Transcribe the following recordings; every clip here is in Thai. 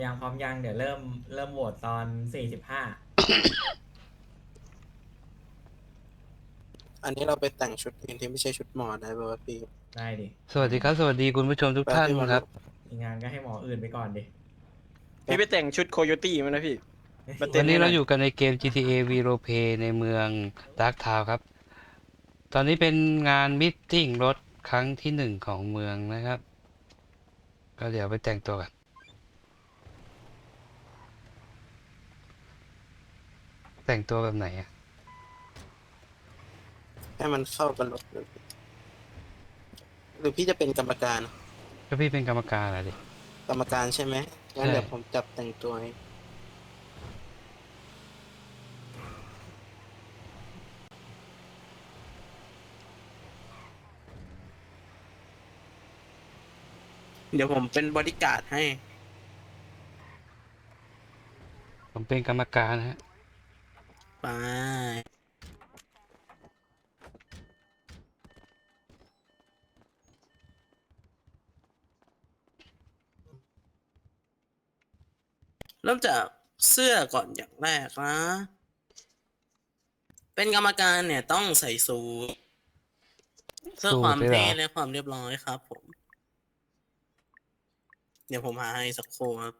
ยังพร้อมยังเดี๋ยวเริ่มโหวตตอน45 อันนี้เราไปแต่งชุดอื่นที่ไม่ใช่ชุดหมอได้ป่าวะพี่ได้ดิสวัสดีครับสวัสดีคุณผู้ชมทุกท่านแปลพี่มาครับรู้มีงานก็ให้หมออื่นไปก่อนดิแป๊บพี่ไปแต่งชุดโคโยตี้มานะพี่มาเต้วันนี้เรานให้หน่อยอยู่กันในเกม GTA V Roleplay ในเมือง Dark Town ครับตอนนี้เป็นงานมิทติ้งรถครั้งที่หนึ่งของเมืองนะครับก็เดี๋ยวไปแต่งตัวกันแต่งตัวแบบไหนอ่ะให้มันเข้ากับรถหรือพี่จะเป็นกรรมการก็พี่เป็นกรรมการอะดิกรรมการใช่ไหมงั้นใช่เดี๋ยวผมจับแต่งตัวให้เดี๋ยวผมเป็นบอดี้การ์ดให้ผมเป็นกรรมการฮะไปเริ่มจากเสื้อก่อนอย่างแรกนะเป็นกรรมการเนี่ยต้องใส่สูทเพื่อสูความเท่ทเลยเหรอและความเรียบร้อยครับผมเดี๋ยวผมหาให้สักครู่ครับ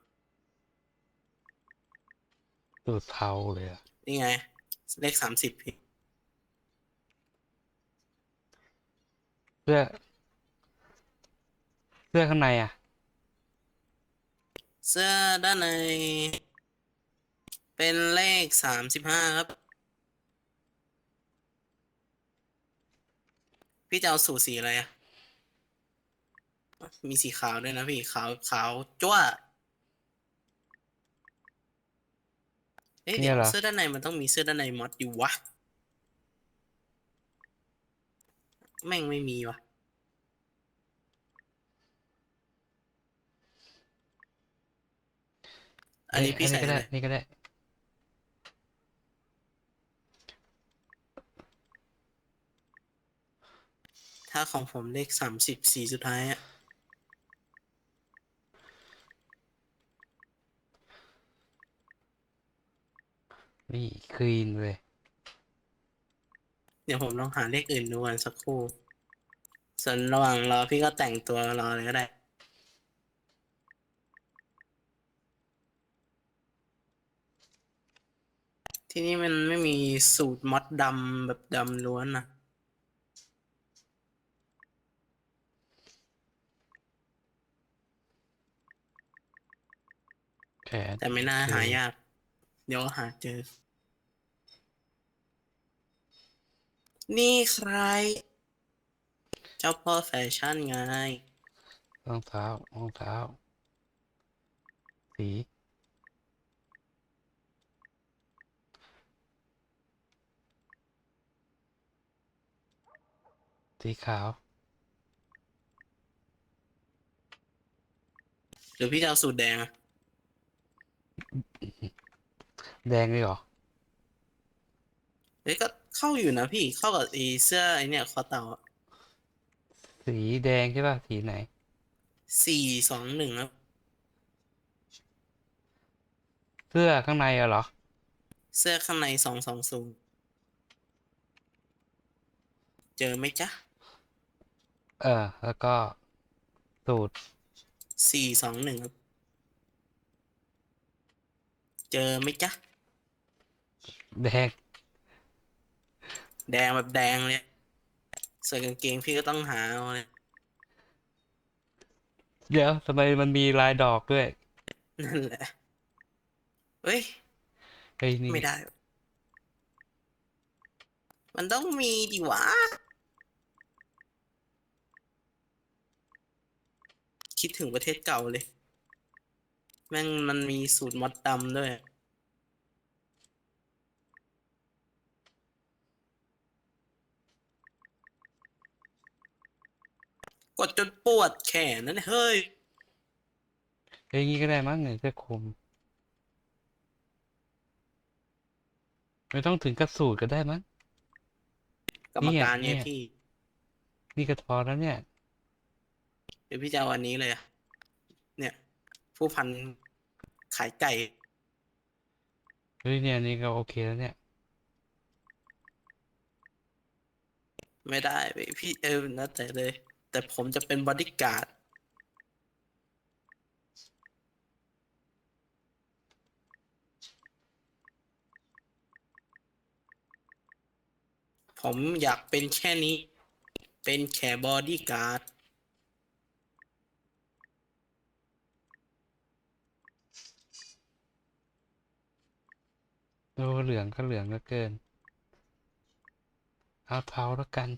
สูทเทาเลยอะนี่ไงเลข30พี่เสื้อเสื้อข้างในอ่ะเสื้อด้านในเป็นเลข35ครับพี่จะเอาสูทสีอะไรอะมีสีขาวด้วยนะพี่ขาวจ้วะเอ๊ะเดี๋ยวเนี่ยเหรอเสื้อด้านในมันต้องมีเสื้อด้านในมอดอยู่วะแม่งไม่มีวะอันนี้อัพี่นนี้ก็ได้ใส่อะไรนี่ก็ได้ถ้าของผมเลข30สีสุดท้ายอะนี่คลีนเลยเดี๋ยวผมลองหาเลขอื่นดูกันสักครู่ส่วนระหว่างรอพี่ก็แต่งตัวรอเลยก็ได้ที่นี่มันไม่มีสูตรมอดดำแบบดำล้วนนะแขนแต่ไม่น่าโอเคหายากเดี๋ยวหาเจอนี่ใครเจ้าพ่อแฟชั่นไงรองเท้าสีสีขาวหรือพี่จะเอาสูตรแดงอะแดงเลยเหรอเฮ้ยก็เข้าอยู่นะพี่เข้ากับไอ้เสื้อไอ้เนี่ยคอเต่าสีแดงใช่ป่ะสีไหน 421ครับเสื้อข้างในอะเหรอเสื้อข้างใน220เจอไหมจ๊ะแล้วก็สูตร 421ครับเจอไหมจ๊ะแดงแดงแบบแดงเลยส่วนกางเกงพี่ก็ต้องหาเอาเลยเดี๋ยวทำไมมันมีลายดอกด้วยนั่นแหละเฮ้ยเฮ้ยนี่ไม่ได้มันต้องมีดิวะคิดถึงประเทศเก่าเลยแม่งมันมีสูตรมอดดำด้วยกดจนปวดแขนนั่นเฮ้ยเฮ้ยงี้ก็ได้มั้งเนี่ยเสื้อคลุมไม่ต้องถึงกับสูตรก็ได้มั้งกรรมการไงเนี่ยพี่นี่ก็พอแล้วเนี่ยเดี๋ยวพี่จะเอาอันนี้เลยอะเนี่ยผู้พันายไก่เฮ้ยเนี่ยนี่ก็โอเคแล้วเนี่ยไม่ได้เว้ยพี่นะแต่เลย แต่ผมจะเป็นบอดี้การ์ดผมอยากเป็นแค่นี้ เป็นแค่บอดี้การ์ดโอ้เหลืองก็เหลืองเหลือเกิน เอาเทาแล้วกัน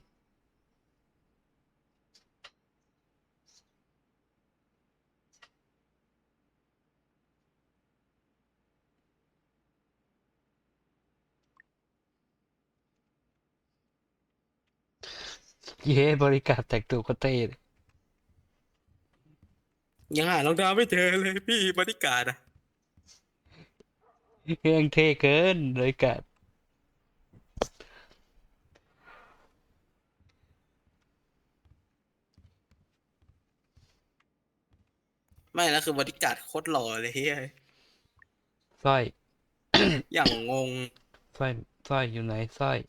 เย้บริการแต่งตัวก็เต้เลยยังหารองเท้าไม่เจอเลยพี่บอดี้การ์ดอะเครื่องเท่เกินบริการไม่แล้วคือบอดี้การ์ดโคตรหล่อเลยเฮ้ยสร้อยอย่างงงสร้อยสร้อยอยู่ไหนสร้อย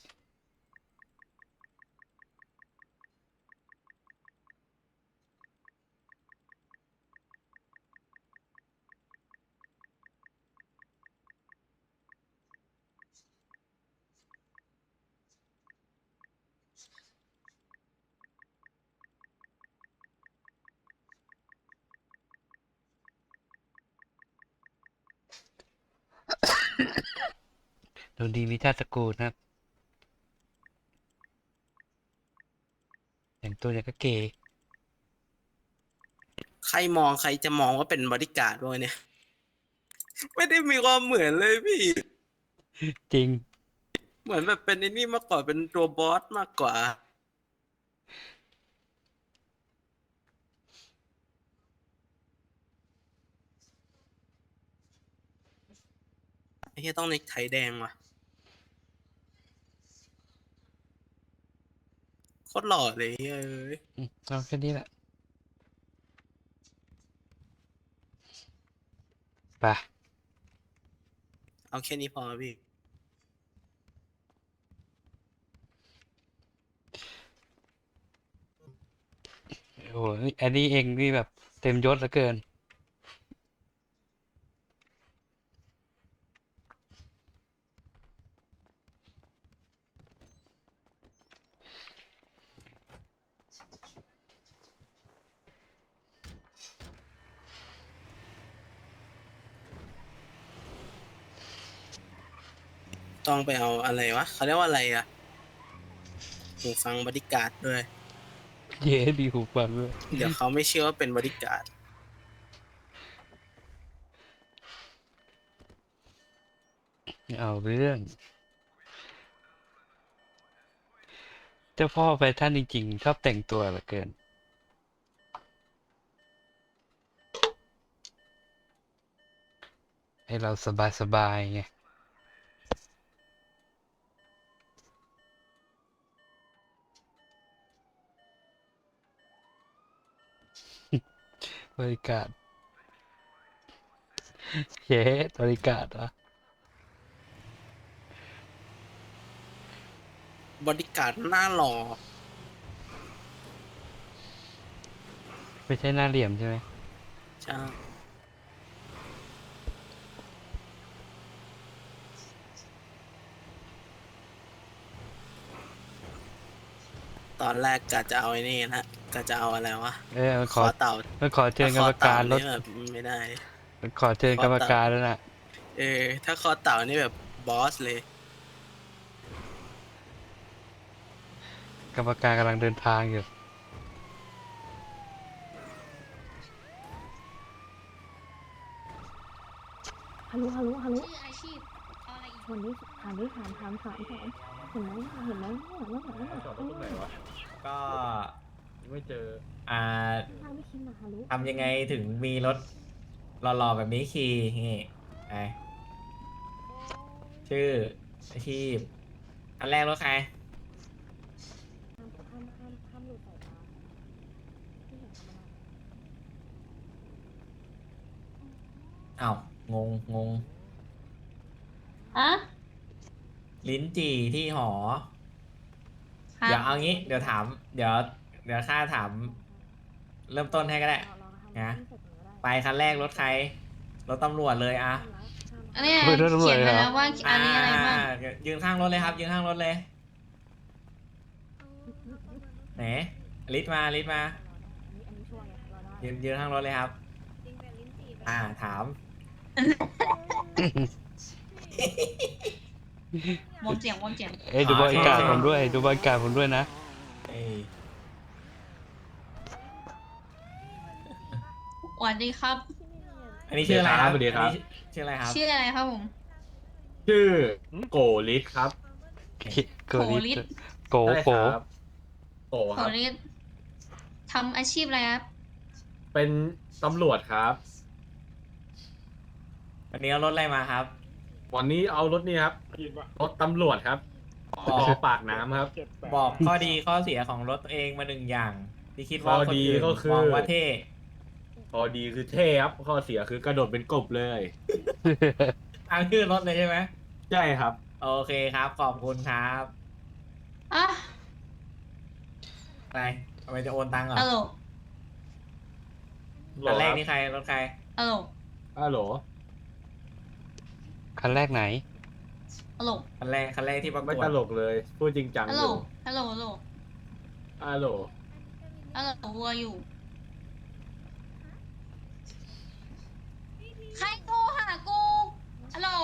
ดูดีมีชาติตระกูลนะครับ แต่งตัวอย่างก็เก๋ใครมองใครจะมองว่าเป็นบอดี้การ์ดวะเนี่ย ไม่ได้มีความเหมือนเลยพี่จริงเหมือนแบบเป็นไอ้นี่มากกว่าเป็นตัวบอสมากกว่า ไอ้เหี้ยต้องเน็กไทแดงว่ะโคตรหล่อเลยเฮ้ยเอาแค่นี้แหละ ไปเอาแค่นี้พอพี่โอ้โหนี่อันนี้เองนี่แบบเต็มยศเหลือเกินต้องไปเอาอะไรวะเขาเรียกว่าอะไรอะหูฟังบอดี้การ์ดด้วยเย้ดีหูฟังด้วยเดี๋ยวเขาไม่เชื่อว่าเป็นบอดี้การ์ดเอาเรื่อง เจ้าพ่อแฟชั่นจริงๆ ชอบแต่งตัวเหลือเกิน ให้เราสบายๆไง บริการเย้บริการเหรอบอดี้การ์ดหน้าหล่อไม่ใช่หน้าเหลี่ยมใช่ไหมใช่ตอนแรกกะจะเอาไอ้นี่นะกะจะเอาอะไรวะเออมันคขออเต่ามันขอเชิญกรรมการลดถ้คอเต่นี่แบบไม่ได้มันขอเชิญกรรมการแล้วน่ะถ้าคอเต่านี่แบบบอสเลยกรรมการกำลังเดินทางอยู่ฮัลโหลฮัลโหลฮัลโหลชื่ออาชีพอะไรอีกวันนี้ถามดิถามเห็นไหมเห็นไหมเห็นไหมเห็นไหมเห็นไหมจอดรถตรงไหนวะก็ไม่เจออ่าทางไม่คิดนะฮัลโหลทำยังไงถึงมีรถหล่อๆแบบนี้ขี่นี่ไงชื่ออาชีพอันแรกรถใครห้ามหลุดสายตาที่เห็นธรรมดาอ้าวงงอะลิ้นจี่ที่หอครับเดี๋ยวเอางี้ เดี๋ยวถาม เดี๋ยวข้าถาม เริ่มต้นให้ก็ได้ นะ ไปคันแรกรถใคร รถตำรวจเลยอะอันนี้ไม่รู้ตำรวจเขียนเหรไว้อแล้วว่าอันนี้อะไรบ้างยืนข้างรถเลยครับ ยืนข้างรถเลย ไหนลิศมาอันนี้ช่วงไงรอได้ยืนข้างรถเลยครับ ถามวงเสียงวงเสียงเอ้ยดูบรรยากาศผมด้วย ดูบรรยากาศผมด้วยนะเอ้ยสวัสดีครับอันนี้ชื่ออะไรครับสวัสดีครับอันนี้ชื่ออะไรครับชื่ออะไรครับผมชื่อโกลิสครับโกลิสโกใช่โกครับโกโหครับนี่ทำอาชีพอะไรครับเป็นตำรวจครับวันนี้เอารถอะไรมาครับวันนี้เอารถนี่ครับรถตำรวจครับบอกปากน้ำครับบอกข้อดีข้อเสียของรถตัวเองมาหนึ่งอย่าง ที่คิดว่าข้อคนดีอื่นก็คือมองว่าเท่พอดีคือเท่ครับข้อเสียคือกระโดดเป็นกบเลยทางชื่อรถเลยใช่ไหมใช่ครับโอเคครับ ขอบคุณครับอ่ะไปทำไมจะโอนตังค์เหรอฮัลโหลคันแรกนี่ใคร รถใครฮัลโหลฮัลโหลคันแรกไหนฮัลโหลคันแรกที่ประกไม่วตดลกเลย พูดจริงจังฮัลอโหลยู่ฮัลโหลฮัลโหลฮัลโหลฮัลโหลวัวอยู่ ใครโทรหากูฮัลโหล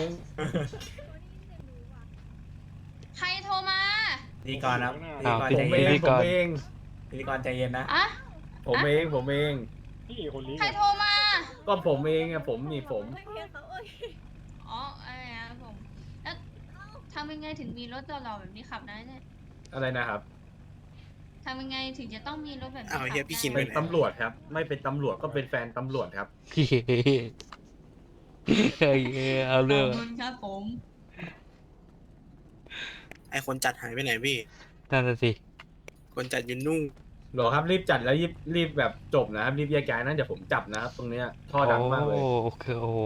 ใครโทรมาพิธีกรครับพิธีกรอ้าวใจผมเย็เอน งพิธีผกรมเองพิธีกรใจเย็นนะอะผมเองผมเองใครโทรมาก็ผมเองอะผมนี่ผมอ๋ออะไรนะครับผม แล้วทำยังไงถึงมีรถหล่อๆแบบนี้ขับได้เนี่ยอะไรนะครับทำยังไงถึงจะต้องมีรถแบบนี้อ้าวขับเฮียพี่คินได้เป็นตำรวจครับ ไม่เป็นตำรวจก็เป็นแฟนตำรวจครับเอาขเรื่ออง บคุณครับผมไอคนจัดหายไปไหนพี่นั่นน่ะสิคนจัดยืนนุ่งหรอครับรีบจัดแล้วรีบแบบจบนะครับรีบแยกย้ายนะเดี๋ยวผมจับนะครับตรงเนี้ยท่อดังมากเลยโอ้คือโอ้โห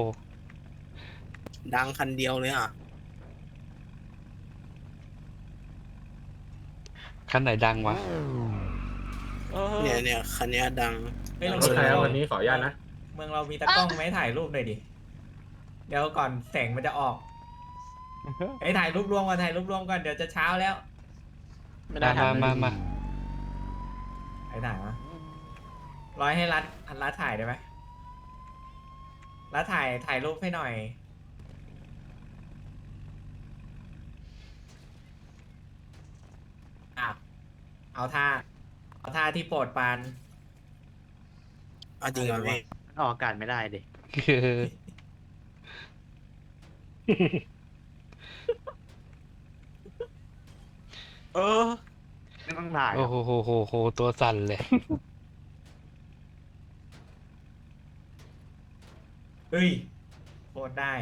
ดังคันเดียวเลยอ่ะคันไหนดังวะเนี่ยคันเนี้ยดังเฮ้ยรเราถใครครับวันนี้ขออนุญาตนะเมืองเรามีตากล้องไหมถ่ายรูปหน่อยดิ เดี๋ยวก่อนแสงมันจะออกไอ้ยถ่ายรูปรวมก่อนถ่ายรูปรวมก่อนเดี๋ยวจะเช้าแล้วไม่ได้มาไอ้ถ่ายมาร้อยให้รัดถ่ายได้ไหมรัดถ่ายรูปให้หน่อยอ่ะเอาท่าที่โปรดปรานเอาจริงเหรอพี่ออกอากาศไม่ได้ดิคือเออ ไม่ต้องถ่ายหรโอ้อกโหตัวสั่นเลยเฮ้ยโคตรได้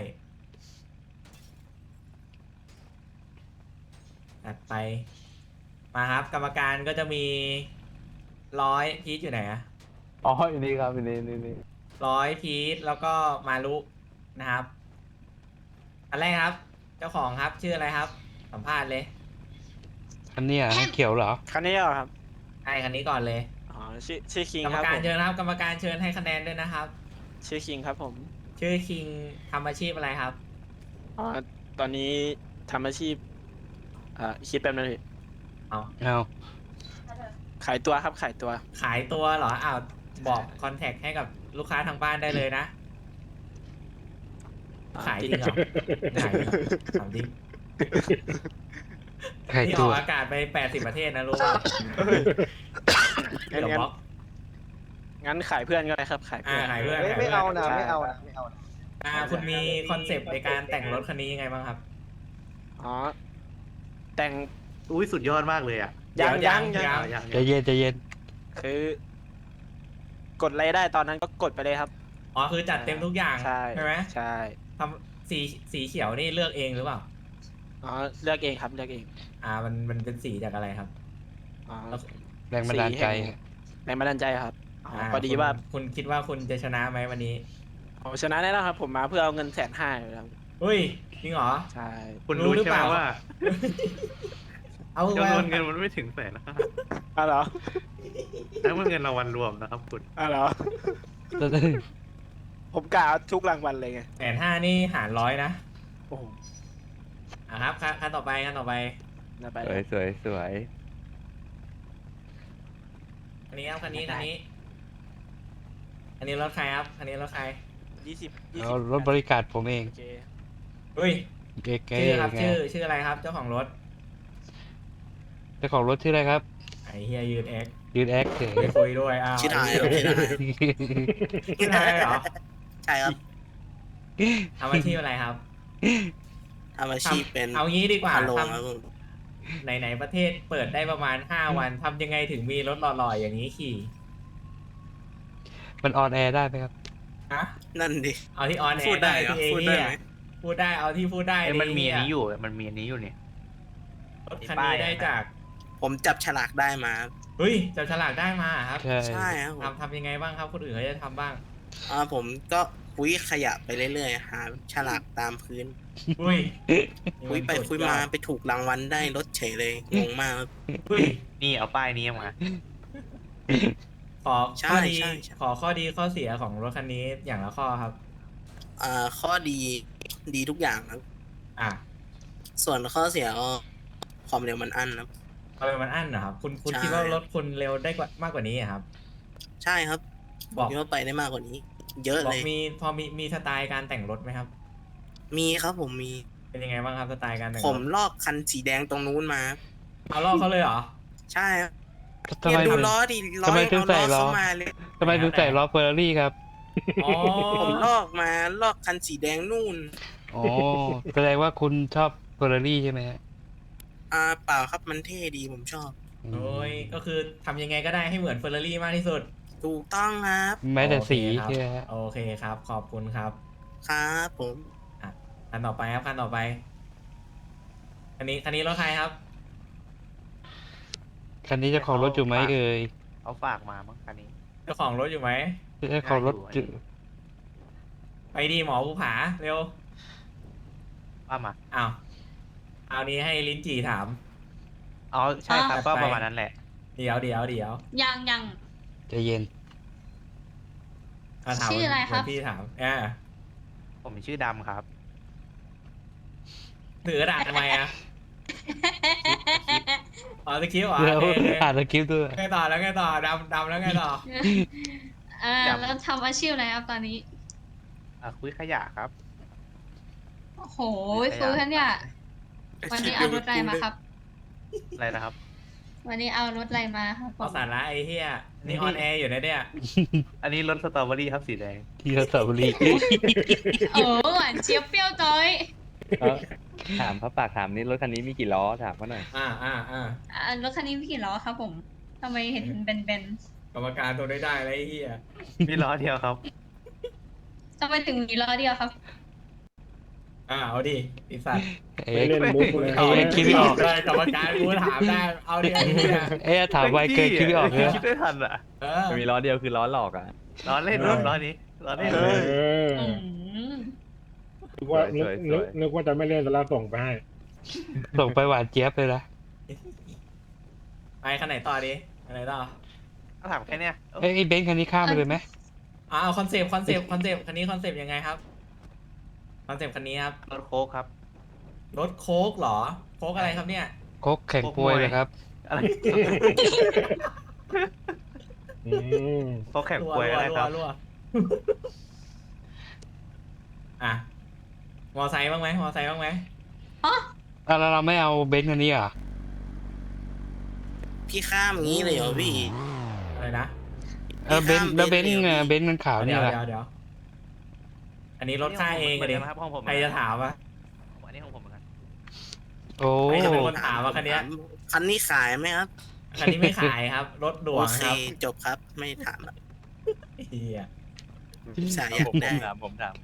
ตัดไป มาครับ กรรมการก็จะมีพีทอยู่ไหนอะอ๋ออยู่นี่ครับอยู่นี่พีทแล้วก็มารุนะครับ อันแรกครับ เจ้าของครับชื่ออะไรครับ สัมภาษณ์เลยอันเนี้ยให้เขียวเหรอคันนี้เหรอครับไอ้คันนี้ก่อนเลยอ๋อ ชื่อคิงกรรคมรับการผมเชิญครับ กรรมการเชิญให้คะแนนด้วยนะครับชื่อคิงครับผมชื่อคิงทำอาชีพอะไรครับอ๋อ ตอนนี้ทำอาชีพ คิดแป๊บนึงพี่เอาเอาขายตัวครับขายตัวขายตัวเหรออ้าวบอกคอนแทคให้กับลูกค้าทางบ้านได้เลยนะ ขายจริงเหรอขายจริงเหรอถามจริงไข่นี่อตัอวกอากาศไป80ประเทศนะรู้ป่ะงั้นเดี๋ยวบล็อกงั้นขายเพื่อนก็ได้ครับ ขายเพื่อนขายเพื่อนไม่เอานะใช่ไม่เอานะไม่เอานะคุณมีคอนเซปต์ในการแต่งรถคันนี้ยังไงบ้างครับอ๋อ แต่งอุ้ยสุดยอดมากเลยอ่ะยังยังยังใจเย็นใจเย็นคือ กดอะไรได้ตอนนั้นก็กดไปเลยครับอ๋อคือจัดเต็มทุกอย่างใช่ไหมใช่ทำสีเขียวนี่เลือกเองหรือเปล่าอ๋อ เลือกเองครับ เลือกเองมันเป็นสีจากอะไรครับอ๋อแรงบันดาลใจแรงบันดาลใจครับ อ๋อ พอดีว่าคุณคิดว่าคุณจะชนะไหมวันนี้ผมชนะแน่นอนครับ ผมมาเพื่อเอาเงิน150,000อยู่แล้วเฮ้ยจริงเหรอใช่คุณรู้รู้หรือใช่ไหมเปล่าว่าเอาจำนวนไว้เงินมันไม่ถึง100,000นะครับอ้าวเหรอแล้วมันเงินรางวัลรวมนะครับคุณอ้าวเหรอ ผมกะเอาทุกรางวัลเลยไง 150,000นี่หาร100นะโอ้โหอ่ะครับขั้นต่อไปขั้นต่อไปน่าไปสวยสวยสวยคันนี้ครับคันนี้อันนี้รถใครครับคันนี้รถใคร 20 เอารถบริการผมเองโอเคเฮ้ยเก๋ๆชื่อครับไงชื่ออะไรครับ เจ้าของรถเจ้าของรถชื่ออะไรครับไอ้เฮียยืนเอ็กยืนแอคเฉยไปคุยด้วยอ้าวชื่อไทยครับชื่อไทยชื่อไทยเหรอใช่ครับทำอาชีพอะไรครับทำอาชีพเป็นเอางี้ดีกว่าพาโลทครับผมำไหนประเทศเปิดได้ประมาณ5 วันทำยังไงถึงมีรถหล่อๆอย่างนี้ขี่มันออนแอร์ได้ไหมครับฮะนั่นดิเอาที่ออนแอพูดร์ได้ได้เหรอที่เอพูดได้เฮียไหมพูดได้เอาที่พูดได้มันมีอันนี้เหี้อยู่ มันมีอันนี้อยู่เนี่ยรถคันนี้ได้จากผมจับฉลากได้มาเฮ้ยจับฉลากได้มาครับใช่ใช่ครับผมทำยังไงบ้างครับคนอื่นเขาจะทำบ้างผมก็คุยขยะไปเรื่อยๆหาฉลากตามพื้นอุ้ยคุยไปคุยมาไปถูกรางวัลได้รถเฉยเลยงงมากครับอุ้ยนี่เอาป้ายนี้มาขอใช่ข้อดีใช่ใช่ขอข้อดีข้อเสียของรถคันนี้อย่างละข้อครับข้อดีดีทุกอย่างครับอ่ะส่วนข้อเสียก็ความเร็วมันอั้นครับเอาไปมันอั้นเหรอครับคุณใช่คิดว่ารถคุณเร็วได้กว่ามากกว่านี้อะครับใช่ครับบอกคิดว่าไปได้มากกว่านี้ เยอะบอเลกยพอมีสไตล์การแต่งรถไหมครับมีครับผมมีเป็นยังไงบ้างครับสไตล์การแต่งผรมถลอกคันสีแดงตรงนู้นมาเอาลอกเขาเลยเหรอใช่ครับทำไมเนี่ยดูถึงล้อดิล้อทำไมยังถึงเอาใส่ล้อล้อเข้ามาเลยทำไมถึงใส่ล้อเฟอร์รารี่ครับอ๋อผมลอกมาลอกคันสีแดงนู่นอ๋อ แสดงว่าคุณชอบเฟอร์รารี่ใช่ไหมฮะเปล่าครับมันเท่ดีผมชอบโอ้ยก็คือทำยังไงก็ได้ให้เหมือนเฟอร์รารี่มากที่สุดถูกต้องครับแม้แต่สีโอเคครับใช่ไหมฮะโอเคครับ ขอบคุณครับครับผมคันต่อไปครับคันต่อไปคันนี้รถใครครับคันนี้เจ้าของรถอยู่ไหมเอ่ยเอาฝากมามั้งคันนี้เจ้าของรถอยู่ไหมเจ้าของรถอยู่ไปดีหมอภูผาเร็วว่ามาอ้าวเอานี้ให้ลิ้นจี่ถามอ๋อใช่ครับจัดก็ไปประมาณนั้นแหละเดี๋ยวยังใจเย็นถามชื่ออะไรครับเหมืนพี่ถามผมชื่อดำครับถือกระดาษทำไมอ่ะอ๋อสคริปต์เหรอเดี๋ยวโอเคอ่านสคริปต์ด้วยไงต่อแล้วไงต่อดำแล้วไงต่อแล้วทำอาชีพอะไรครับตอนนี้คุยขยะครับโอ้โหคุยกันเนี่ยวันนี้เอารถอะไรมาครับอะไรนะครับวันนี้เอารถอะไรมาครับผเอามสาระไอ้เหี้ยนี่ออนแอร์อยู่นะเนี่ยอันนี้รถสตรอเบอรี่ครับสีแดงที่ระบุรีโอ้หวานเจี๊ยบเปรี้ยวจ้อยถามพระปากถามนี่รถคันนี้มีกี่ล้อถามเขาหน่อยรถคันนี้มีกี่ล้อครับผมทำไมเห็นเบนกรรมการตัวได้แล้วไอ้เหี้ยมีล้อเดียวครับๆทำไมถึงมีล้อเดียวครับเอาดิไอ้สัตว์เอ๊ะเล่นมุกเลยเอ๊ะคิดไม่ออกเลยกรรมการกูถามได้เอาดิไอ้เหี้ยเอ๊ะถามไวเกินคิดไม่ออกเลยคิดไม่ทันอ่ะเออมันมีล้อเดียวคือล้อหลอกอ่ะล้อเล่นครับล้อนี้ล้อเล่นเอเลยอมนึกว่าสวยๆนึกว่าจะไม่เล่นแล้วส่งไปให้ส่งไปหวานเจี๊ยบเลยนะไปคันไหนต่อดิคันไหนต่อถ้าถามแค่เนี้ยเอ้ยไอ้เบนซ์คันนี้ข้ามไปเลยไหมเอาคอนเซปต์คันนี้คอนเซปต์ยังไงครับคอนเซปต์คันนี้ครับรถโค้กครับรถโค้กเหรอโค้กอะไรครับเนี่ยโคกแข่งปวยเลยครับอะไรอืมโค้กแข่งป่วยอะไรครับรัวอ่ะมอไซค์บ้างไหมแล้วเราไม่เอาเบนซ์คันนี้อ่ะพี่ข้ามอย่างนี้เลยเหรอพี่อะไรนะเบนซ์แล้วเบนซ์เบนซ์มันขาวเดี๋นี่ยวแหละเดี๋ยวอันนี้รถค่ายเองอะดิครับห้องผมใครจะถามอ่ะอันนี้ของผมเหมือนกันโอ้ไม่จะเป็นคนถามว่าคันเนี้ยคันนี้ขายไหมครับคันนี้ไม่ขายครับ รถด่วโอง เคครับจบครับ ไม่ถามละเฮียสายอยากได้ผมถาม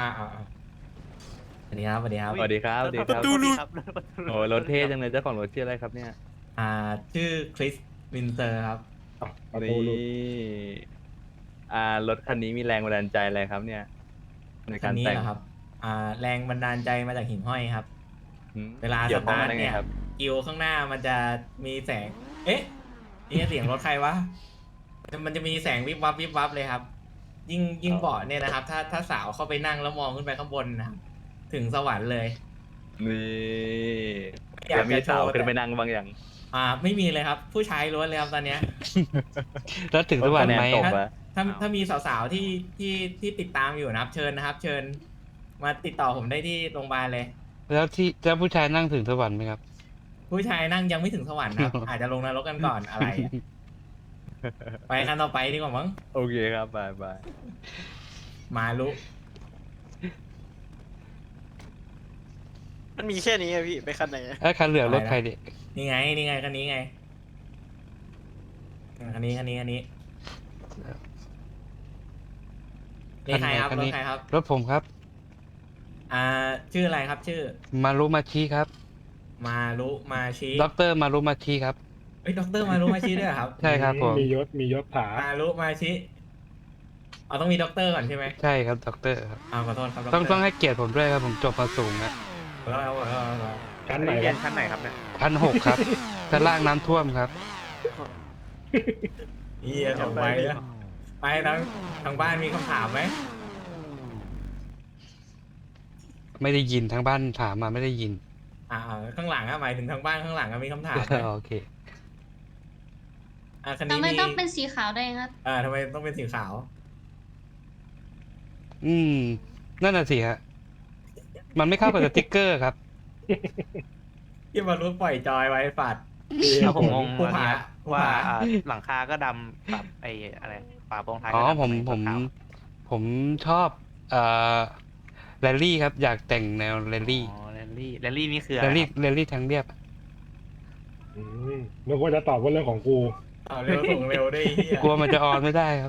สวัสดีครับสวัสดีครับ สวัสดีครับดูรูครับโอ้รถเท่จังเลยเจ้าของรถชื่ออะไรครับเนี่ยชื่อคริสวินเซอร์ครับประตูหลุดนี่รถคันนี้มีแรงบันดาลใจอะไรครับเนี่ยในคักาน รนี้แต่งเหรอครับ แรงบันดาลใจมาจากหิ่งห้อยครับอืมเวลาสเกี่ยวข้องตาร์ทได้ไงเนี่ยครับกิวข้างหน้ามันจะมีแสง เอ๊ะนี่เสียงรถใครวะ มันจะมีแสงวิบวับวิบวับเลยครับ ยิ่งเบาะเนี่ยนะครับ ถ้าสาวเข้าไปนั่งแล้วมองขึ้นไปข้างบนนะครับถึงสวรรค์เลยนี่อยากแล้วมีจะโชสาวว์ขึ้นไปแต่นั่งบางอย่างไม่มีเลยครับ ผู้ชายล้วนเลยครับตอนเนี้ยแล้วถึงสวรรค์ไหมตกอะวะถ้ามีสาวๆที่ติดตามอยู่นะครับ เชิญนะครับ เชิญ มาติดต่อผมได้ที่โรงพยาบาลเลยแล้วผู้ชายนั่งถึงสวรรค์ไหมครับผู้ชายนั่งยังไม่ถึงสวรรค์ครับ อาจจะลงนรกกันก่อนอะไรอะไปกันต่อไปดีกว่ามั้งโอเคครับบายบายมาลุมันมีแค่นี้อะพี่ไปคันไหนอะคันเหลืองรถใครเนี่ยนี่ไงคันนี้ไงคันนี้นี่ใครครับคันรถนี้ใครครับรถผมครับชื่ออะไรครับ ชื่อมารุมาชิครับมาลุมาชิด็อกเตอร์มารุมาชิครับเอ้ยด็อกเตอร์มาลุมาชิด้วยเหรอครับใช่ครับผมมียศถามาลุมาชิต้องมีด็อกเตอร์ก่อนใช่ไหมใช่ครับด็อกเตอร์ครับขอโทษครับต้องให้เกียรติผมด้วยครับ ผมจบมาสูงนะขอโทษครับขอโทษครับชั้นไหนเรีคยรันบชั้นไหนครับเนี่ย 1,600 ครับชั้นล่างน้ำท่วมครับเฮียส่งไปแล้วไปทางบ้านมีคำถามไหมไม่ได้ยินทางบ้านถามมาไม่ได้ยินข้างหลังหมายถึงทางบ้านข้างหลังมีคำถามไหมโอเคคันทำนี้ไมมีต้องเป็นสีขาวด้วยครับทำไมต้องเป็นสีขาวนั่นน่ะสิฮะ มันไม่เข้ากับสติ๊กเกอร์ครับที่มารู้ปล่อยจอยไว้ฝัดแล้วผมงงผู้อันผาเนี้ยผู้ว่าผาหลังคาก็ดำแบบไอ้อะไรฝาโปร่งท้ายอ๋ก็อดำผมทำไขาวผมชอบแรลลี่ครับ อยากแต่งแนวแรลลี่อ๋อแรลลี่นี่คืออะแรไรลลี่ครับแรลลี่ทางเรียบนึกว่าจะตอบว่าเรื่องของกูเร็วส่งเร็วด้วยไอ้เฮียกลัวมันจะออนไม่ได้ครับ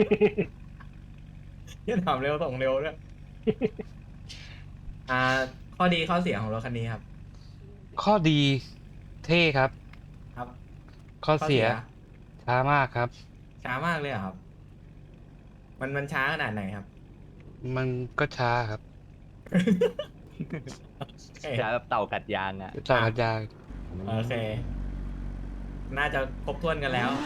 เฮียถามเร็วส่งเร็วด้วยข้อดีข้อเสียของรถคันนี้ครับข้อดีเท่ครับครับข้อเสียช้ามากครับช้ามากเลยเหรอครับ มันช้าขนาดไหนครับมันก็ช้าครับจะแบบเต่ากัดยางอ่ะต่อกันยางโอเค น่าจะครบถ้วนกันแล้ว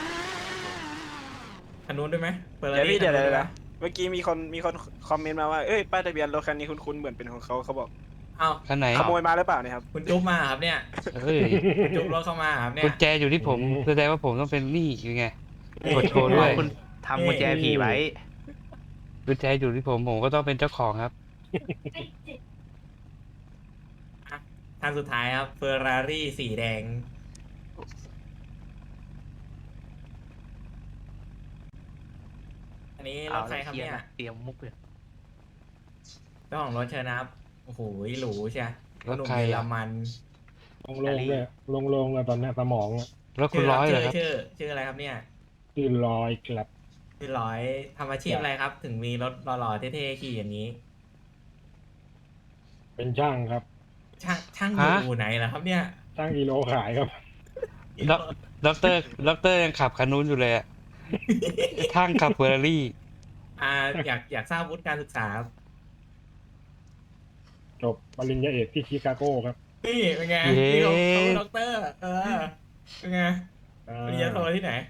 คันนู้นด้วยไหมเปิดเดี๋ยวพี่เดี๋ยวคันนู้นเดี๋ยวไหมเมื่อกี้มีคนคอมเมนต์มาว่าเอ้ยป้ายทะเบียนรถคันนี้คุ้นๆเหมือนเป็นของเขาบอกเอ้าคันไหนขโมยมาหรือเปล่าเนี่ยครับคุณจุ๊บมาครับเนี่ยเฮ้ยคุณจุ๊บรถเข้ามาครับเนี่ยกุญแจอยู่ที่ผมแสดงว่าผมต้องเป็นหนี้ยังไงกดโชว์ด้วยคุณทำกุญแจผีไว้กุญแจอยู่ที่ผมก็ต้องเป็นเจ้าของครับคันสุดท้ายครับเฟอร์รารี่สีแดง อันนี้รถใครครับเนี่ยเตรียมมุกเลยเจ้าของรถเชิญนะครับ โอ้โหหรูใช่รถหนุ่มใครเยออะรมันโล่งๆเลยโล่งๆเลยตอนเนี้ยสมองอะรถคุณร้อยเหรอครับชื่ออะไรครับเนี่ยตื่นลอยกลับชื่อร้อยทำอาชีพอะไรครับ ถึงมีรถหล่อๆเท่ๆขี่อย่างนี้เป็นช่างครับช่างฮะอยู่ไหนล่ะครับเนี่ยช่างกิโลขายครับด็อกเตอร์ยังขับคันนู้นอยู่เลยอะทั้งขับเฟอร์รารี่อยากทราบวุฒิการศึกษาครับจบปริญญาเอกที่ชิคาโก้ครับนี่เป็นไงเย้นี่เขาด็อกเตอร์ เป็นไงปริญญาโทที่ไหน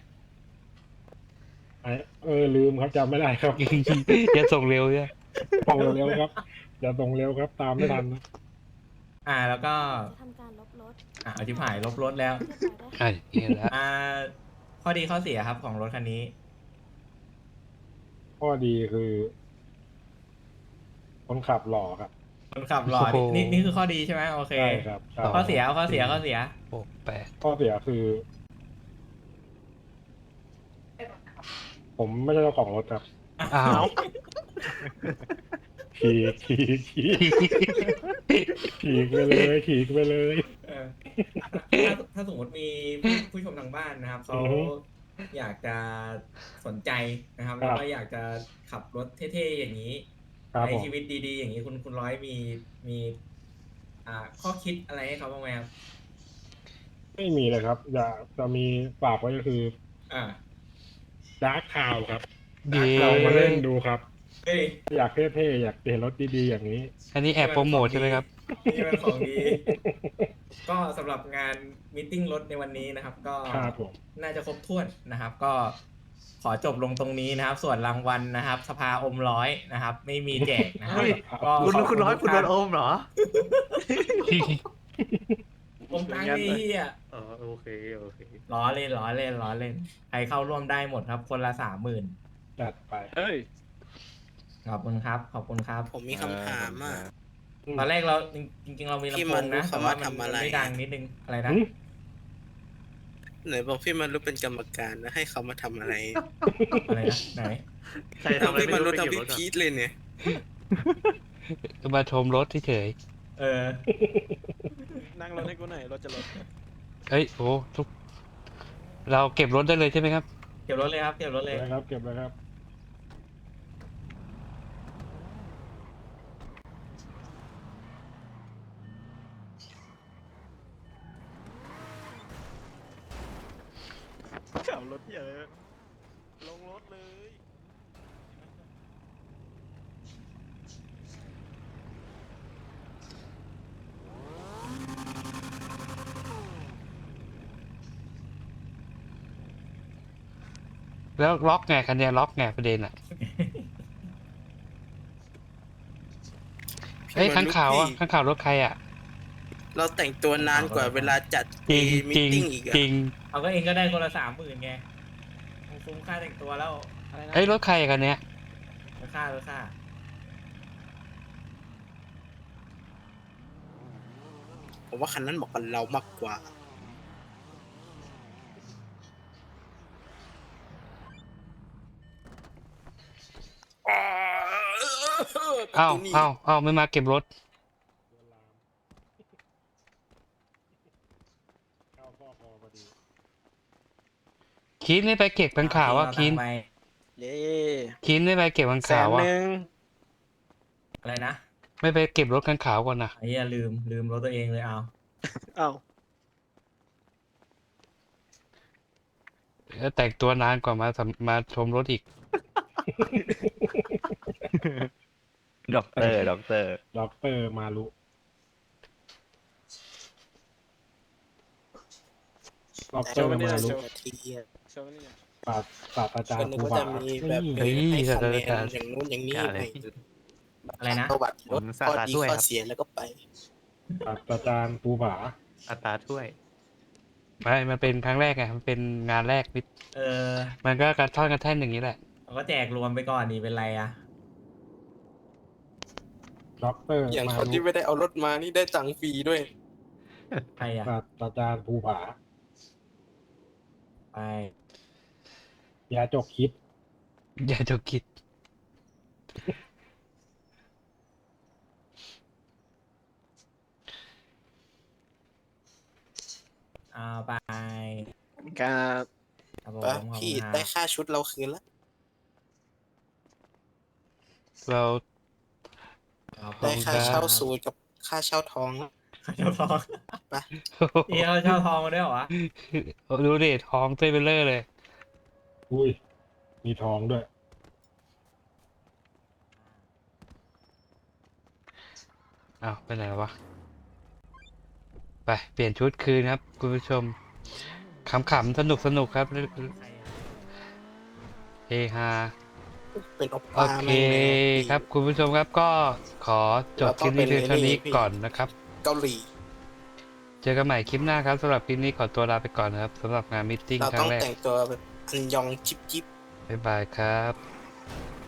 ลืมครับจำไม่ได้ครับจะส่งเร็วใช่ไหมส่งเร็วครับอย่าส่งเร็วครับ ตามไม่ทันนะแล้วก็ทำการลบรถอธิบายลบรถแล้วเรียบร้อยได้ค่ะเห็นแล้วข้อดีข้อเสียครับของรถคันนี้ข้อดีคือ คนขับหล่อครับคนขับหล่อนี่คือข้อดีใช่ไหมโอเคใช่ครับใช่ข้อเสียข้อเสีย 8 ข้อเสียคือ ผมไม่ใช่เจ้าของรถครับอ้าวขี่ไปเลยขี่ไปเลยถ้าสมมติมีผู้ชมทางบ้านนะครับเขาอือฮึอยากจะสนใจนะครับครับแล้วก็อยากจะขับรถเท่ๆอย่างนี้ครับในผมชีวิตดีๆ อย่างนี้คุณร้อยมีข้อคิดอะไรให้เขาบ้างไหมครับไม่มีเลยครับจะมีฝากไว้ก็คืออ่าดาร์คคาวครับเย้ลองมาเล่นดูครับเฮ้ยอยากเท่ๆอยากเห็นรถดีๆอย่างนี้อันนี้แอบโปรโมทใช่ไหมครับนี่มันของดี ก็สำหรับงานมีตติ้งรถในวันนี้นะครับ ก็ครับผมน่าจะครบถ้วนนะครับ ก็ขอจบลงตรงนี้นะครับ ส่วนรางวัลนะครับ สภาอมร้อยนะครับ ไม่มีแจกนะครับเฮ้ยก็คุณร้อยคุณโดนโอมเหรออมตังค์นี่เฮียอ๋อโอเคโอเคล้อเล่นล้อเล่นล้อเล่นใครเข้าร่วมได้หมดครับ คนละ 30,000 จัดไปเฮ้ยขอบคุณครับ ขอบคุณครับผมมีคำถามอ่ะตอนแรกเราจริงๆเรามีพี่ลำโพมันงนะรู้แต่คำว่าว่ามันทำอะไรไม่ดังนิดนึงอะไรนะหืมไหนบอกพี่มันรู้เป็นกรรมการนะให้เขามาทำอะไรอะไรนะไหนใครทำอะไรพี่ไม่มันรู้รู้ไปทำเก็บพี่รถก่อนพีทเลยเนี่ยก็มาชมรถเฉยเออนั่งรถให้กูหน่อยรถจะรถๆเอ้ยโอ้ทุกเราเก็บรถได้เลยใช่ไหมครับเก็บรถเลยครับ เก็บรถเลยนะครับ เก็บเลยครับขับรถเยอะลงรถเลยแล้วล็อกไงคันเนี้ยล็อกไงประเด็นอ่ะเฮ้ยพี่ข้างมันรู้ข่าวอ่ะพี่ข้างข่าวรถใครอ่ะเราแต่งตัวนานกว่าเวลาจัดจริงมีจริงติ้งอีกอะจริงเอาก็เองก็ได้คนละ 30,000ไงคุ้มค่าแต่งตัวแล้วอะไรนะเอ้ยรถใครอะคันเนี้ยราคาผมว่าคันนั้นเหมาะกับเรามากกว่าเอ้าเอ้าไม่มาเก็บรถเข้าข้อพอพอดีคินไม่ไปเก็บข้างข่าวอ่ะคินไปเย้คินไม่ไปเก็บข้างแสข่าวน อ่ะหนึ่งอะไรนะไม่ไปเก็บรถข้างข่าวก่อนนะไอ้เหี้ยลืมรถตัวเองเลยเอาเอ้าแล้วแต่งตัวนานกว่ามาชมรถอีกด็อกเตอร์ด็อกเตอร์มารุ ด็อกเตโชอร์ว์นี่มานะรุโชว์ทีอะโชว์นี่นะศาสตราจารคนย์นึงภูก็ผาจะมีแบบเฮ้ยให้คะแนศาสตราจารนย์อย่างนู้นอย่างนี้อย่าไปเลยอะไรนะประวัติรถผมข้อศาสตราดีด้วยข้อครับเสียแล้วก็ไปศาสตราจารย์ภูผาอัตราถ้วยไม่มันเป็นครั้งแรกไงมันเป็นงานแรกนิดเออมันก็กระท่อนกระแท่นอย่างนี้แหละเราก็แจกรวมไปก่อนดีเป็นไรอะด็อกเตอร์อย่างมาคนรุที่ไม่ได้เอารถมานี่ได้ตังค์ฟรีด้วยใครอะศาสตราจารย์ภูผาไปยาจกคิดอย่าจะคิดเอาไปการครับผมปะขอบพี่คุณครับได้ค่าชุดเราคืนแล้วเราขอบได้คุณค่ารับเช่าสูตรกับค่าเช่าทองแล้วค่าเช่าทองไปเอี่เขาเช่าทองมาด้วยเหรอวะดูดิท้องเต้ยเบลเลอร์เลยอุ้ย มีทองด้วยอ้าวไปไหนวะ ไปเปลี่ยนชุดคืนครับ คุณผู้ชมขำๆสนุกครับเฮฮาเป็นโอโอปาเคแม่งเลยครับ คุณผู้ชมครับก็ขอจบคลิปนี้เพียงเท่านี้ก่อนนะครับเกาหลีเจอกันใหม่คลิปหน้าครับสำหรับคลิปนี้ขอตัวลาไปก่อนนะครับสำหรับงานมิทติ้งเราครั้ต้องงแรกแต่งตัวแบบอันยองจิบจิบบ๊ายบายครับ